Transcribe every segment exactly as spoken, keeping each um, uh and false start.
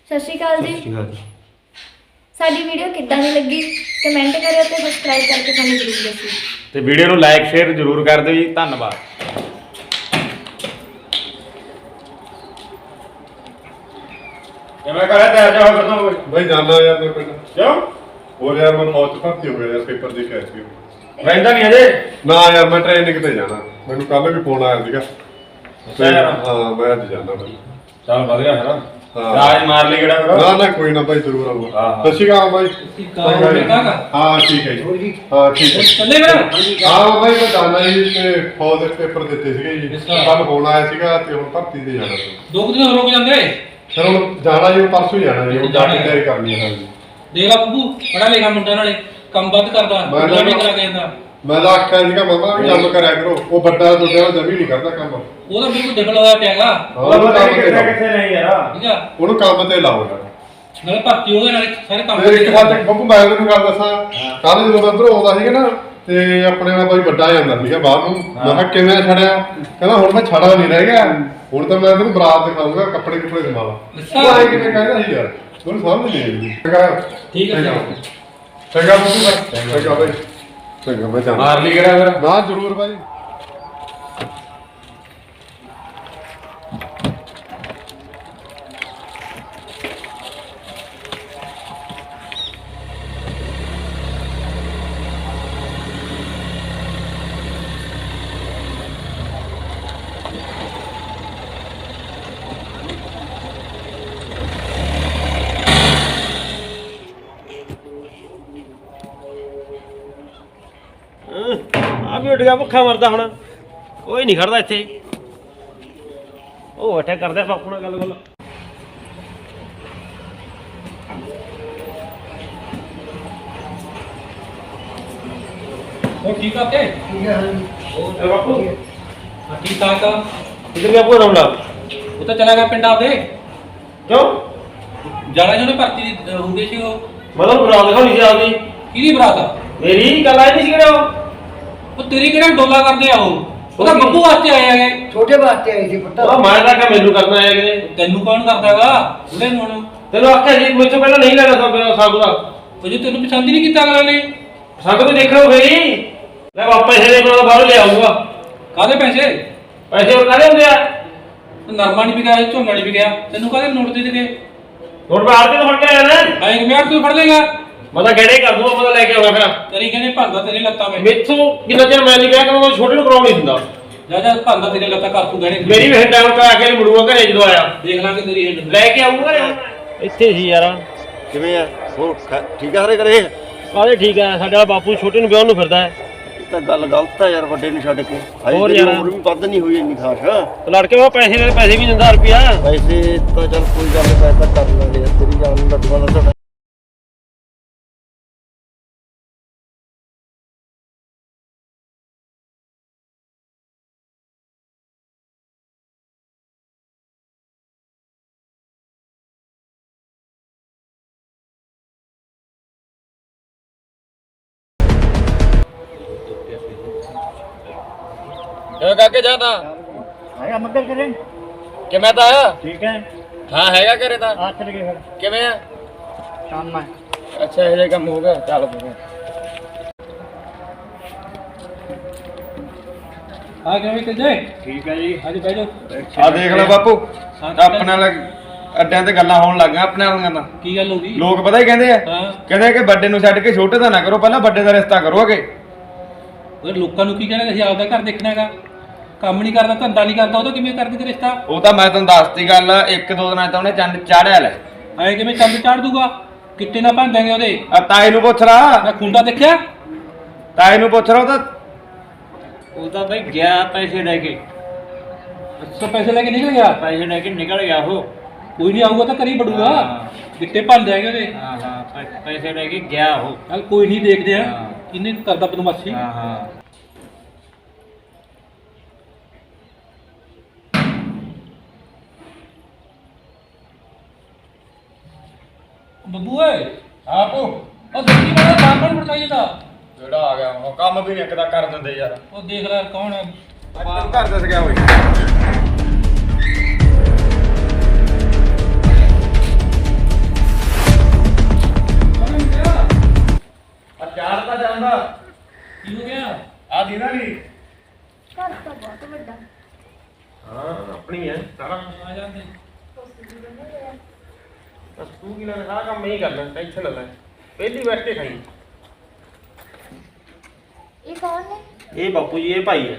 ਸਤਿ ਸ਼੍ਰੀ ਅਕਾਲ ਜੀ। ਸਤਿ ਸ਼੍ਰੀ ਅਕਾਲ। ਸਾਡੀ ਵੀਡੀਓ ਕਿੱਦਾਂ ਦੀ ਲੱਗੀ ਕਮੈਂਟ ਕਰਿਓ ਤੇ ਸਬਸਕ੍ਰਾਈਬ ਕਰਕੇ ਸਾਨੂੰ ਜ਼ਰੂਰ ਦੱਸਿਓ ਤੇ ਵੀਡੀਓ ਨੂੰ ਲਾਈਕ ਸ਼ੇਅਰ ਜ਼ਰੂਰ ਕਰ ਦਿਓ ਜੀ। ਧੰਨਵਾਦ। ਕਿਵੇਂ ਕਰਿਆ ਤਿਆਰ ਜਾ ਹੋ ਕਰਦਾ भाई जाना यार मेरे पिंड ਕਿਉਂ और यार मैं मौत भर्ती हो गया यार पेपर दे के आया ਸੀ ਰਹਿੰਦਾ ਨਹੀਂ ਅਜੇ ना यार मैं ट्रेनिंग ਤੇ ਜਾਣਾ ਮੈਨੂੰ ਕੱਲ ਵੀ ਫੋਨ ਆਇਆ ਸੀਗਾ ਅੱਛਾ ਯਾਰ। ਹਾਂ ਮੈਂ ਅੱਜ ਜਾਣਾ ਭਾਈ ਚੱਲ ਵਧੀਆ ਫਿਰ ਹਾਂ। ਰਾਜ ਮਾਰ ਲਈ ਕਿਹੜਾ ਫਿਰ ਨਾ ਨਾ ਕੋਈ ਨਾ ਭਾਈ ਜ਼ਰੂਰ ਆਊਗਾ ਹਾਂ, ਹਾਂ। ਸਤਿ ਸ਼੍ਰੀ ਅਕਾਲ ਭਾਈ ਅਕਾਲ, ਠੀਕ ਠਾਕ ਆ? ਹਾਂ ਠੀਕ ਹੈ ਜੀ ਹਾਂ ਠੀਕ ਹੈ ਚੱਲੇ ਫਿਰ ਹਾਂ ਭਾਈ ਮੈਂ ਜਾਣਾ ਜੀ ਤੇ ਫੌਜ ਦੇ ਪੇਪਰ ਦਿੱਤੇ ਸੀਗੇ ਜੀ ਅੱਛਾ। ਕੱਲ ਫੋਨ ਆਇਆ ਸੀਗਾ ਤੇ ਹੁਣ ਭਰਤੀ ਤੇ ਜਾਣਾ ਸੀ ਦੋ ਕੁ ਦਿਨ ਰੁਕ ਜਾਂਦੇ ਫਿਰ ਹੁਣ ਜਾਣਾ ਜੀ ਪਰਸੋਂ ਹੀ ਜਾਣਾ ਜੀ ਹੁਣ ਜਾ ਕੇ ਜਾਣਾ। ਤਿਆਰੀ ਕਰਨੀ ਹੈ ਹਾਂ ਜੀ ਦੇਖ ਲਾ ਬੱਬੂ ਪੜਾ ਲਿਖਾ ਮੁੰਡਾ ਨਾਲੇ ਕੰਮ ਵੱਧ ਕਰਦਾ ਮੈਂ ਮੁੰਡਾ ਵੀ ਤਾਂ- ਕਰਾ ਕੇ ਜਾਂਦਾ ਮੈਂ ਤਾਂ ਆਖਿਆ ਸੀਗਾ ਮਮਾ ਵੀ ਕੰਮ ਕਰਿਆ ਕਰੋ ਉਹ ਵੱਡਾ ਤੁਹਾਡੇ ਨਾਲ ਜਮੀ ਨਹੀਂ ਕਰਦਾ ਕੰਮ ਉਹਦਾ ਬਿਲਕੁਲ ਡਬਲ ਹੋਇਆ ਪਿਆਗਾ ਉਹਨੂੰ ਕੰਮ ਤੇ ਕਿੱਥੇ ਲਾਓ ਕਿੱਥੇ ਨਹੀਂ ਯਾਰ ਠੀਕ ਆ ਉਹਨੂੰ ਕੰਮ ਤੇ ਲਾਓ ਯਾਰ ਨਾਲੇ ਭਰਤੀ ਹੋ ਗਏ ਨਾਲੇ ਸਾਰੇ ਕੰਮ ਤੇ ਇੱਕ ਵਾਰ ਬੱਬੂ ਮੈਂ ਤੈਨੂੰ ਗੱਲ ਦੱਸਾਂ ਕੱਲ ਜਦੋਂ ਮੈਂ ਅੰਦਰੋਂ ਆਉਂਦਾ ਸੀਗਾ ਨਾ ਤੇ ਆਪਣੇ ਨਾਲ ਕੋਈ ਵੱਡਾ ਜਾਂਦਾ ਸੀਗਾ ਬਾਹਰ ਨੂੰ ਮੈਂ ਕਿਹਾ ਕਿਵੇਂ ਛੜਿਆ ਕਹਿੰਦਾ ਹੁਣ ਮੈਂ ਛੜਾ ਨਹੀਂ ਰਹਿ ਗਿਆ ਹੁਣ ਤਾਂ ਮੈਂ ਤੈਨੂੰ ਬਰਾਤ ਦਿਖਾਊਂਗਾ ਕੱਪੜੇ ਕੁਪੜੇ ਦਿਖਾਵਾਂ ਅੱਛਾ। ਉਹ ਆਏ ਕਿਵੇਂ ਕਹਿੰਦਾ ਸੀ ਯਾਰ ਮੈਨੂੰ ਸਮਝ ਨਹੀਂ ਆਈ ਚੰਗਾ ਠੀਕ ਹੈ, ਚੰਗਾ ਚੰਗਾ ਬੱਬੂ ਭਾਈ ਚੰਗਾ ਭਾਈ ਚੰਗਾ ਮੈਂ ਜਾਣਾ ਮਾਰ ਲਈ ਕਿਹੜਾ ਫਿਰ ਨਾ ਜ਼ਰੂਰ ਭਾਈ ਆ ਵੀ ਉੱਡ ਗਿਆ ਭੁੱਖਾ ਮਰਦਾ ਹੁਣ ਕੋਈ ਨਹੀਂ ਖੜਦਾ ਇੱਥੇ ਉਹ ਬੈਠਾ ਕਰਦੇ ਬਾਪੂ ਨਾਲ ਗੱਲ ਗੱਲ ਉਹ ਠੀਕ ਆ ਤੇ ਇਹ ਬਾਪੂ ਹਾਂ, ਠੀਕ ਠਾਕ ਆ ਕਿੱਧਰ ਗਿਆ ਭੋਰਾ ਮੁੰਡਾ ਉਹ ਤਾਂ ਚਲਾ ਗਿਆ ਪਿੰਡ ਆਪਦੇ ਕਿਉਂ ਜਾਣਾ ਜਿਹਨੇ ਭਰਤੀ ਦੀ ਹੋ ਗਈ ਸੀ ਉਹ ਮਤਲਬ ਬਰਾਤ ਦਿਖਾਉਣੀ ਸੀ ਆਪਦੀ ਕਿਹਦੀ ਬਰਾਤ ਆ ਮੇਰੀ ਗੱਲ ਆਈ ਨਹੀਂ ਸੀ ਕਿਹੜਾ ਉਹ ਉਹ ਤੇਰੀ ਕਿਹੜਾ ਡੋਲਾ ਕਰਦੇ ਆ ਉਹ ਉਹਦਾ ਬੱਬੂ ਵਾਸਤੇ ਆਏ ਹੈਗੇ ਛੋਟੇ ਵਾਸਤੇ ਆਈ ਸੀ ਪੁੱਤ ਉਹ ਮੈਂ ਤਾਂ ਕਿ ਮੈਨੂੰ ਕਰਨਾ ਆਇਆ ਕਿਤੇ ਤੈਨੂੰ ਕੌਣ ਕਰਦਾਗਾ ਉਹਦੇ ਨੂੰ ਹੁਣ ਤੈਨੂੰ ਆਖਿਆ ਸੀ ਮੈਨੂੰ ਪਹਿਲਾਂ ਨਹੀਂ ਲੈਣਾ ਸਾ ਸਾਗੂ ਦਾ ਉਹ ਜੇ ਤੈਨੂੰ ਪਸੰਦ ਹੀ ਨਹੀਂ ਕੀਤਾ ਅਗਲਾ ਨੇ ਸਾਗੂ ਤੋਂ ਦੇਖਣਾ ਫੇਰੀ ਮੈਂ ਵਾਪਸ ਇਹਦੇ ਕੋਲ ਬਾਹਰ ਲੈ ਆਊਗਾ ਕਾਹਦੇ ਪੈਸੇ ਪੈਸੇ ਉਹ ਕਾਹਦੇ ਹੁੰਦੇ ਆ ਨਰਮਾ ਨਹੀਂ ਵਿਕਿਆ ਝੋਨਾ ਨਹੀਂ ਵਿਕਿਆ ਤੈਨੂੰ ਕਾਹਦੇ ਨੋਟ ਦੇ ਦੇਗੇ ਹੁਣ ਬਾਹਰ ਤੇ ਫੜ ਕੇ ਆਇਆ ਨਾ ਆਏ ਕਿ ਮੈਂ ਤੂੰ ਫੜ ਲੇਗਾ ਮੈਂ ਤਾਂ ਗੜੇ ਕਰ ਦੂੰਗਾ ਮੈਂ ਲੈ ਕੇ ਆਉਣਾ ਫਿਰ ਤੇਰੀ ਕਹਿੰਦੇ ਭੰਦਾ ਤੇਰੇ ਲੱਤਾਂ ਵਿੱਚ ਮੇਥੋਂ ਕਿੰਨਾ ਚਿਰ ਮੈਂ ਨਹੀਂ ਕਿਹਾ ਕਿ ਮੈਂ ਛੋਟੇ ਨੂੰ ਕਰਾਉਣ ਨਹੀਂ ਦਿੰਦਾ ਜਾ ਜਾ ਭੰਦਾ ਤੇਰੇ ਲੱਤਾਂ ਕਰ ਤੂੰ ਗਹਿਣੇ ਮੇਰੀ ਵੀ ਟਾਈਮ ਤੇ ਆ ਕੇ ਮੁੜੂਗਾ ਘਰੇ ਜਦੋਂ ਆਇਆ ਦੇਖ ਲਾਂਗੇ ਤੇਰੀ ਹਿੰਡ ਲੈ ਕੇ ਆਊਗਾ ਇੱਥੇ ਸੀ ਯਾਰ ਕਿਵੇਂ ਆ ਹੋਰ ਖ- ਠੀਕ ਆ ਹਰੇ ਕਰੇ ਕਾਹਦੇ ਠੀਕ ਆ ਸਾਡੇ ਵਾਲਾ ਬਾਪੂ ਛੋਟੇ ਨੂੰ ਵਿਆਹ ਨੂੰ ਫਿਰਦਾ ਹੈ ਇਹ ਤਾਂ ਗੱਲ ਗਲਤ ਆ ਯਾਰ ਵੱਡੇ ਨੂੰ ਛੱਡ ਕੇ ਹੋਰ ਤੇਰੀ ਯਾਰ। ਉਮਰ ਵੀ ਵੱਧ ਨਹੀਂ ਹੋਈ ਇੰਨੀ ਖਾਸ ਤੇ ਲੜਕੇ ਉਹ ਪੈਸੇ ਨਾਲ ਪੈਸੇ ਵੀ ਦਿੰਦਾ ਰੁਪਿਆ ਵੈਸੇ ਤਾਂ ਚੱਲ ਕੋਈ ਗੱਲ ਨਹੀਂ ਪੈਸਾ ਕਰ ਲਾਂਗੇ ਯਾਰ, ਤੇਰੀ ਜਾਨ ਲੱਡੂਆਂ ਦਾ ਤੁਹਾਡਾ ਕਿਵੇਂ ਕਾਕੇ ਜਾਣਾ ਆਇਆ ਮੱਗਰ ਕਰੇ ਕਿਵੇਂ ਤਾਂ ਆਇਆ ਠੀਕ ਹੈ ਹਾਂ ਹੈਗਾ ਘਰੇ ਤਾਂ ਆ ਚਲ ਗਏ ਫਿਰ ਕਿਵੇਂ ਆ ਕੰਮ ਆ ਅੱਛਾ ਇਹ ਜਿਹਾ ਕੰਮ ਹੋ ਗਿਆ ਚੱਲ ਫਿਰ ਆ ਕਿਵੇਂ ਕਿੰਦੇ ਠੀਕ ਹੈ ਜੀ ਅੱਜ ਬਹਿ ਜਾ ਆ ਦੇਖ ਲੈ ਬਾਪੂ ਹਾਂ, ਆਪਣੇ ਨਾਲ ਅੱਡਿਆਂ ਤੇ ਗੱਲਾਂ ਹੋਣ ਲੱਗੀਆਂ ਆਪਣੇ ਵਾਲੀਆਂ ਤਾਂ ਕੀ ਗੱਲ ਹੋ ਗਈ ਲੋਕ ਪਤਾ ਹੀ ਕਹਿੰਦੇ ਆ ਹਾਂ ਕਹਿੰਦੇ ਕਿ ਵੱਡੇ ਨੂੰ ਛੱਡ ਕੇ ਛੋਟੇ ਦਾ ਨਾ ਕਰੋ ਪਹਿਲਾਂ ਵੱਡੇ ਦਾ ਰਿਸ਼ਤਾ ਕਰੋਗੇ ਉਹ ਲੋਕਾਂ ਨੂੰ ਕੀ ਕਹਿਣਾ ਅਸੀਂ ਆਪਦਾ ਘਰ ਦੇਖਣਾ ਹੈਗਾ ਕੰਮ ਨਹੀਂ ਕਰਦਾ ਧੰਦਾ ਨਹੀਂ ਕਰਦਾ ਉਹ ਤਾਂ ਕਿਵੇਂ ਕਰਦੀ ਤੇ ਰਿਸ਼ਤਾ ਉਹ ਤਾਂ ਮੈਂ ਤੁਹਾਨੂੰ ਦੱਸਤੀ ਗੱਲ ਇੱਕ ਦੋ ਦਿਨਾਂ ਚ ਉਹਨੇ ਚੰਦ ਚਾੜਿਆ ਲੈ ਐ ਕਿਵੇਂ ਚੰਦ ਚਾੜ ਦੂਗਾ ਕਿੱਟੇ ਨਾ ਭੰਨ ਦੇਂਗੇ ਉਹਦੇ ਆ ਤਾਏ ਨੂੰ ਪੁੱਛ ਰਾ ਮੈਂ ਖੁੰਡਾ ਦੇਖਿਆ ਤਾਏ ਨੂੰ ਪੁੱਛ ਰਾ ਉਹ ਤਾਂ ਉਹ ਤਾਂ ਬਈ ਗਿਆ ਪੈਸੇ ਲੈ ਕੇ ਅੱਛਾ ਪੈਸੇ ਲੈ ਕੇ ਨਿਕਲ ਗਿਆ ਪੈਸੇ ਲੈ ਕੇ ਨਿਕਲ ਗਿਆ ਉਹ ਕੋਈ ਨਹੀਂ ਆਊਗਾ ਤਾਂ ਕਰੀ ਬੜੂਗਾ ਕਿੱਟੇ ਭੰਨ ਜਾਏਗੇ ਉਹਦੇ ਹਾਂ ਹਾਂ ਪੈਸੇ ਲੈ ਕੇ ਗਿਆ ਉਹ ਚੱਲ ਕੋਈ ਨਹੀਂ ਦੇਖਦੇ ਆ ਹਾਂ। ਕਿੰਨੇ ਕਰਦਾ ਬਦਮਾਸ਼ੀ ਹਾਂ ਹਾਂ ਬੱਬੂ ਓਏ ਆਪੂ ਉਹ ਦੇਖੀ ਮੈਂ ਬਾਹਰ ਪੜਤਾਈ ਦਾ ਜਿਹੜਾ ਆ ਗਿਆ ਉਹ ਕੰਮ ਵੀ ਨਹੀਂ ਇੱਕ ਦਾ ਕਰ ਦਿੰਦੇ ਯਾਰ ਉਹ ਦੇਖ ਲੈ ਕੌਣ ਹੈ ਤੂੰ ਘਰ ਦੱਸ ਗਿਆ ਓਏ ਬਸ ਤੂੰ ਕੀ ਲੈਣਾ, ਸਾਰਾ ਕੰਮ ਮੈਂ ਹੀ ਕਰਨਾ, ਟੈਨਸ਼ਨ ਨਾ ਲੈ। ਪਹਿਲੀ ਬੈਠ ਕੇ ਖਾਈ। ਇਹ ਕੌਣ ਨੇ? ਇਹ ਬਾਪੂ ਜੀ, ਇਹ ਭਾਈ ਹੈ।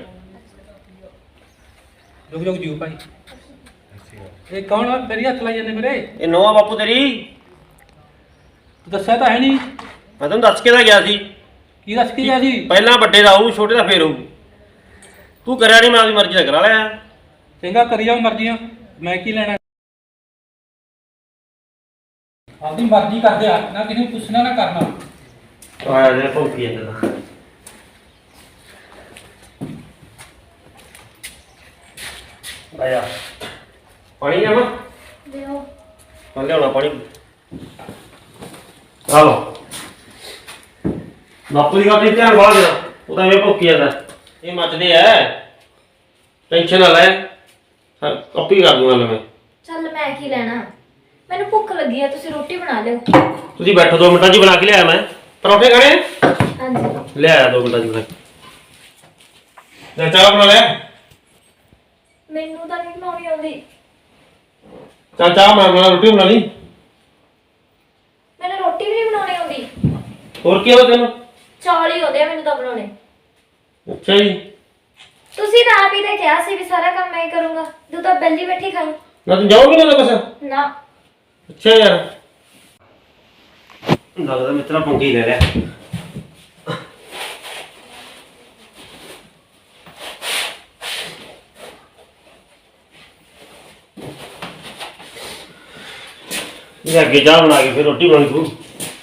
ਰੁਕ ਰੁਕ ਜੀਓ ਭਾਈ। ਇਹ ਕੌਣ ਆ ਤੇਰੀ ਹੱਥ ਲਾਈ ਜਾਂਦੇ ਮੇਰੇ? ਇਹ ਨੋਆ ਬਾਪੂ ਤੇਰੀ। ਤੂੰ ਦੱਸਿਆ ਤਾਂ ਹੈ ਨਹੀਂ। ਮੈਂ ਤੈਨੂੰ ਦੱਸ ਕੇ ਤਾਂ ਗਿਆ ਸੀ। ਕੀ ਦੱਸ ਕੇ ਗਿਆ ਸੀ? ਪਹਿਲਾਂ ਵੱਡੇ ਦਾ ਆਊ, ਛੋਟੇ ਦਾ ਫੇਰ ਹੋਊ। ਤੂੰ ਕਰਿਆ ਨਹੀਂ, ਮੈਂ ਆਪਣੀ ਮਰਜ਼ੀ ਨਾਲ ਕਰਾ ਲਿਆ। ਚੰਗਾ ਕਰੀ ਜਾਓ ਮਰਜ਼ੀਆਂ, ਮੈਂ ਕੀ ਲੈਣਾ। ਆਪਦੀ ਮਰਜ਼ੀ ਕਰਦੇ ਆ, ਨਾ ਕਿਸੇ ਨੂੰ ਪੁੱਛਣਾ ਨਾ ਕਰਨਾ। ਆਇਆ ਜੇ ਭੌਂਕੀ ਜਾਂਦਾ ਤਾਂ। ਆਇਆ ਪਾਣੀ ਲਿਆਵਾਂ? ਦਿਓ। ਮੈਂ ਲਿਆਉਣਾ ਪਾਣੀ। ਆ ਲਓ। ਬਾਪੂ ਦੀ ਗੱਲ ਤੇ ਧਿਆਨ ਬਾਹਰ ਦੇਣਾ, ਉਹ ਤਾਂ ਐਵੇਂ ਭੌਂਕੀ ਜਾਂਦਾ। ਇਹ ਮੱਚਦੇ ਐ, ਟੈਨਸ਼ਨ ਨਾ ਲੈ, ਕਾਪੀ ਕਰ ਦੂੰਗਾ ਮੈਂ। ਚੱਲ ਮੈਂ ਕੀ ਲੈਣਾ, ਮੈਨੂੰ ਭੁੱਖ ਲੱਗੀ ਆ, ਤੁਸੀਂ ਰੋਟੀ ਬਣਾ ਲਿਓ। ਤੁਸੀਂ ਬੈਠੋ, ਦੋ ਮਿੰਟਾਂ 'ਚ ਬਣਾ ਕੇ ਲਿਆਇਆ ਮੈਂ। ਪਰੌਂਠੇ ਖਾਣੇ? ਹਾਂਜੀ। ਲਿਆਇਆ ਦੋ ਮਿੰਟਾਂ 'ਚ ਬਣਾ ਕੇ। ਲੈ ਚਾਹ ਬਣਾ ਲਿਆ? ਮੈਨੂੰ ਤਾਂ ਨਹੀਂ ਬਣਾਉਣੀ ਆਉਂਦੀ। ਚੱਲ ਚਾਹ ਬਣਾ, ਬਣਾ ਰੋਟੀ ਬਣਾ ਲਈ। ਮੈਨੂੰ ਰੋਟੀ ਵੀ ਨਹੀਂ ਬਣਾਉਣੀ ਆਉਂਦੀ। ਹੋਰ ਕੀ ਹੋ ਤੈਨੂੰ? ਚੌਲ ਹੀ ਆਉਂਦੇ ਆ ਮੈਨੂੰ ਤਾਂ ਬਣਾਉਣੇ। ਅੱਛਾ ਜੀ। ਤੁਸੀਂ ਤਾਂ ਆਪ ਹੀ ਤਾਂ ਕਿਹਾ ਸੀ ਵੀ ਸਾਰਾ ਕੰਮ ਮੈਂ ਹੀ ਕਰੂੰਗਾ, ਤੂੰ ਤਾਂ ਬੈਲੀ ਬੈਠੀ ਖਾਈ। ਨਾ ਤੂੰ ਜਾਓਗੇ ਨਾ ਕੁਛ? ਨਾ। ਅੱਛਾ ਯਾਰ, ਲੱਗਦਾ ਮਿੱਤਰਾ ਪੰਗੀ ਲੈ ਲਿਆ। ਇਹ ਅੱਗੇ ਚਾਹ ਬਣਾ ਕੇ ਫਿਰ ਰੋਟੀ ਬਣਾਉਣੀ ਤੂੰ।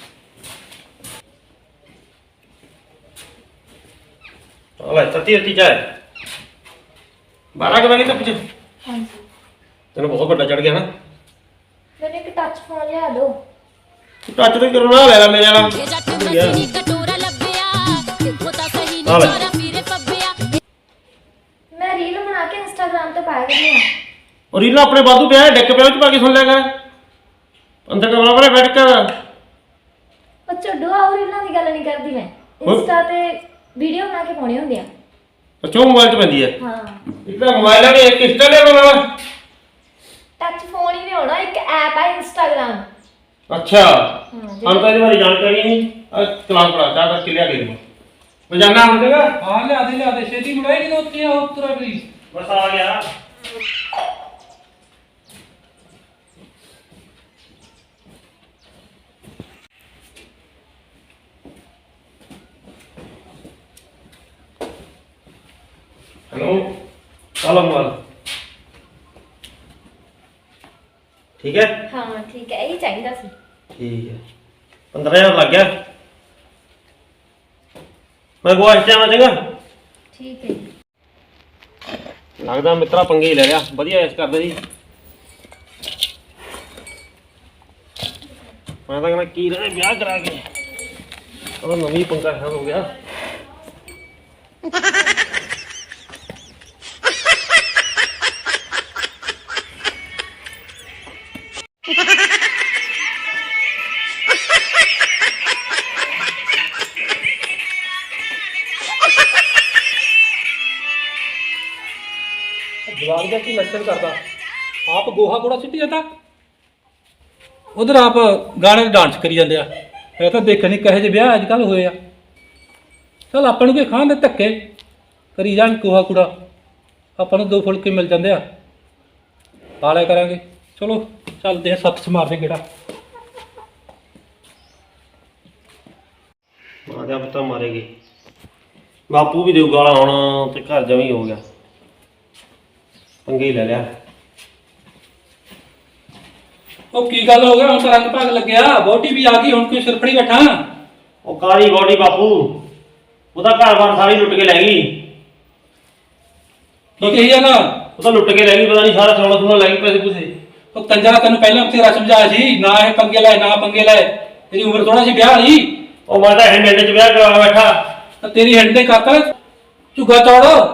ਲੈ ਤੱਤੀ ਤੱਤੀ ਚਾਹ ਬਾਰਾਂ ਕੁ ਵਜੇ ਤੱਕ ਪਿੱਛੇ। ਹਾਂਜੀ। ਤੈਨੂੰ ਬਹੁਤ ਵੱਡਾ ਚੜ ਗਿਆ ਨਾ। ਮੈਨੂੰ ਇੱਕ ਟੱਚ ਫੋਨ ਲਿਆ ਦਿਓ। ਟੱਚ ਤੇ ਕਰਨਾ ਲੈ ਲੈ ਮੇਰੇ ਵਾਲਾ। ਇਹ ਜੱਟ ਮੱਛੀ ਕਟੋਰਾ ਲੱਭਿਆ, ਦੇਖੋ ਤਾਂ ਸਹੀ ਹਾਂ ਲੈ। ਨਿਚਾਰਾ ਫਿਰੇ ਪੱਬਿਆ। ਮੈਂ ਰੀਲ ਬਣਾ ਕੇ ਇੰਸਟਾਗ੍ਰਾਮ ਤੇ ਪਾਇਆ ਕਰਨੀ ਆ। ਔਰ ਇਹਨਾਂ ਆਪਣੇ ਬਾਦੂ ਪਿਆ ਡਿੱਕ ਪਿਆ, ਵਿੱਚ ਪਾ ਕੇ ਸੁਣ ਲਿਆ ਕਰ। ਅੰਦਰ ਕਮਰਾ ਵਾਲੇ ਬੈਠ ਕੇ। ਉਹ ਛੱਡੋ, ਆ ਰੀਲਾਂ ਦੀ ਗੱਲ ਨਹੀਂ ਕਰਦੀ ਮੈਂ। ਇੰਸਟਾ ਤੇ ਵੀਡੀਓ ਬਣਾ ਕੇ ਪਾਉਣੀ ਹੁੰਦੀ ਆ। ਅੱਛਾ ਮੋਬਾਈਲ 'ਚ ਪੈਂਦੀ ਹੈ। ਹਾਂ। ਇੱਕ ਤਾਂ ਮੋਬਾਈਲ ਆ, ਇੱਕ ਇੰਸਟਾ ਲੈ ਲਵਾਂ। ਟੱਚ ਫੋਨ ਹੀ ਨਹੀਂ ਹੋਣਾ, ਇੱਕ ਐਪ ਹੈ ਇੰਸਟਾਗ੍ਰਾਮ। ਅੱਛਾ ਸਾਨੂੰ ਤਾਂ ਇਹਦੇ ਬਾਰੇ ਜਾਣਕਾਰੀ ਨਹੀਂ। ਆ ਚਲਾਨ ਪੜਾ ਚਾਹ ਦਾ ਕਿਲਿਆ ਦੇ ਮੈਂ ਜਾਣਾ ਹੁਣ ਦੇਗਾ। ਹਾਂ ਲਿਆ ਦੇ ਲਿਆ ਦੇ, ਛੇਤੀ ਮੁੜਾਈ ਜਦੋਂ ਉੱਥੇ ਆ ਉਤਰਾ ਪਲੀਜ਼। ਬਸ ਆ ਗਿਆ। हेलो चलो मोबाइल ठीक है। ਹਾਂ ਠੀਕ ਹੈ, ਇਹੀ ਚਾਹੀਦਾ ਸੀ। ठीक है पंद्रह हजार लग गया। मैं गोवा इस्तेमाल देगा। ਠੀਕ ਹੈ। लगता मित्रा पंगे ही ले लिया, बढ़िया इस करदे जी। मैं तो कहना की रहे ब्याह करा के और नवी पंगा खत्म हो गया। ਜਵਾਨ ਦਾ ਕੀ ਲੱਛਣ ਕਰਦਾ, ਆਪ ਗੋਹਾ ਕੂੜਾ ਸਿੱਟੀ ਜਾਂਦਾ, ਉਧਰ ਆਪ ਗਾਣੇ ਤੇ ਡਾਂਸ ਕਰੀ ਜਾਂਦੇ ਆ। ਇਹ ਤਾਂ ਦੇਖਣ ਨਹੀਂ ਕਹੇ ਜਿਹੇ ਵਿਆਹ ਅੱਜ ਕੱਲ੍ਹ ਹੋਏ ਆ। ਚਲ ਆਪਾਂ ਨੂੰ ਕੀ ਖਾਣ ਦੇ ਧੱਕੇ ਕਰੀ ਜਾਣ ਗੋਹਾ ਕੂੜਾ, ਆਪਾਂ ਨੂੰ ਦੋ ਫੁਲਕੇ ਮਿਲ ਜਾਂਦੇ ਆ, ਖਾ ਲਿਆ ਕਰਾਂਗੇ। ਚਲੋ ਚੱਲਦੇ ਆ, ਸੱਤ ਸਮਾਰਦੇ ਗੇੜਾ। ਮਾਰਿਆ ਪਤਾ ਮਾਰੇਗੀ, ਬਾਪੂ ਵੀ ਦੇਊ ਗਾਲਾਂ ਹੁਣ ਤੇ ਘਰ ਜਮੀ ਹੋ ਗਿਆ। ਪੰਗੇ ਹੀ ਲੈ ਲਿਆ। ਉਹ ਕੀ ਗੱਲ ਹੋ ਗਿਆ, ਹੁਣ ਤਾਂ ਰੰਗ ਭਾਗ ਲੱਗਿਆ, ਬੋਟੀ ਵੀ ਆ ਗਈ, ਹੁਣ ਕੋਈ ਸਿਰਫੜੀ ਬੈਠਾ। ਉਹ ਕਾਲੀ ਬੋਡੀ ਬਾਪੂ, ਉਹਦਾ ਘਰ-ਬਾਰ ਸਾਰੀ ਲੁੱਟ ਕੇ ਲੈ ਗਈ। ਕੀ ਕਹੀ ਜਾਂਦਾ? ਉਹ ਤਾਂ ਲੁੱਟ ਕੇ ਲੈ ਗਈ, ਪਤਾ ਨਹੀਂ ਸਾਰਾ ਸੋਨਾ ਸੋਨਾ ਲੈ ਗਈ, ਪੈਸੇ ਪੂਸੇ। ਉਹ ਕੰਜਰਾ ਤੈਨੂੰ ਪਹਿਲਾਂ ਬਥੇਰਾ ਸਮਝਾਇਆ ਸੀ, ਨਾ ਇਹ ਪੰਗੇ ਲੈ ਨਾ ਪੰਗੇ ਲੈ, ਤੇਰੀ ਉਮਰ ਥੋੜਾ ਸੀ ਵਿਆਹ ਵਾਲੀ। ਉਹ ਮੈਂ ਤਾਂ ਹੈਂਡ ਹੈਂਡ ਚ ਵਿਆਹ ਕਰਾ ਬੈਠਾ। ਤਾਂ ਤੇਰੀ ਹਿੰਡ ਦੇ ਕਾਕਾ ਝੁੱਗਾ ਚੌੜ